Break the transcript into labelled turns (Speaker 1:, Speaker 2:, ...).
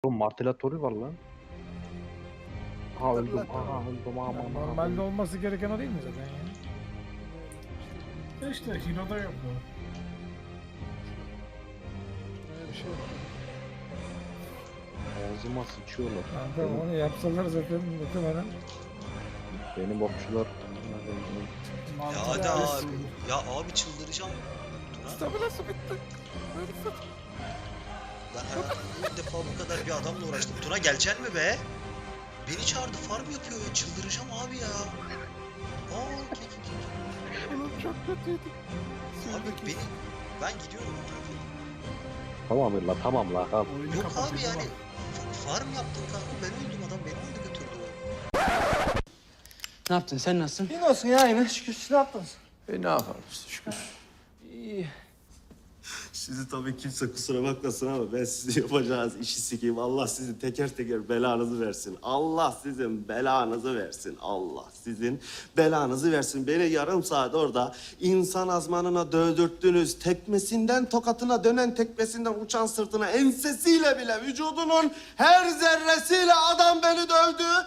Speaker 1: Oğlum martelatörü var lan. Aha öldüm. Aha öldüm. Aman aman.
Speaker 2: Normalde olması gereken o değil mi zaten ya?
Speaker 3: İşte Hino'da yok bu.
Speaker 2: Öyle bir şey yok.
Speaker 1: Ağzıma sıçıyorlar.
Speaker 2: Kanka onu yapsalar zaten muhtemelen.
Speaker 1: Benim okçular.
Speaker 4: Ya hadi abi. Ya abi çıldıracağım. Tuna,
Speaker 2: Stabilası bitti.
Speaker 4: ben hayatımda ilk defa bu kadar bir adamla uğraştım. Tuna geleceksin mi be? Beni çağırdı, farm yapıyor ya. Çıldıracağım abi ya. Aa,
Speaker 2: Oğlum çok kötüydü.
Speaker 4: abi beni... Ben gidiyorum.
Speaker 1: Tamam la tamam la. Tamam.
Speaker 3: Oyunu
Speaker 4: Yok abi
Speaker 3: kapatıyor
Speaker 4: yani.
Speaker 3: bak.
Speaker 4: Farm yaptım kanka. Ben öldüm, adam beni aldı götürdü.
Speaker 5: Ne yaptın? Sen nasılsın?
Speaker 6: İyi olsun ya yine şükür. Siz ne yaptınız?
Speaker 5: Ne yapalım işte şükür.
Speaker 6: İyi.
Speaker 7: Sizi tabii kimse kusura bakmasın ama ben sizin yapacağınız işi sikeyim. Allah sizin teker teker belanızı versin. Allah sizin belanızı versin. Allah sizin belanızı versin. Beni yarım saat orada insan azmanına dövdürttünüz. Tekmesinden tokatına dönen tekmesinden uçan sırtına ensesiyle bile vücudunun her zerresiyle adam beni dövdü.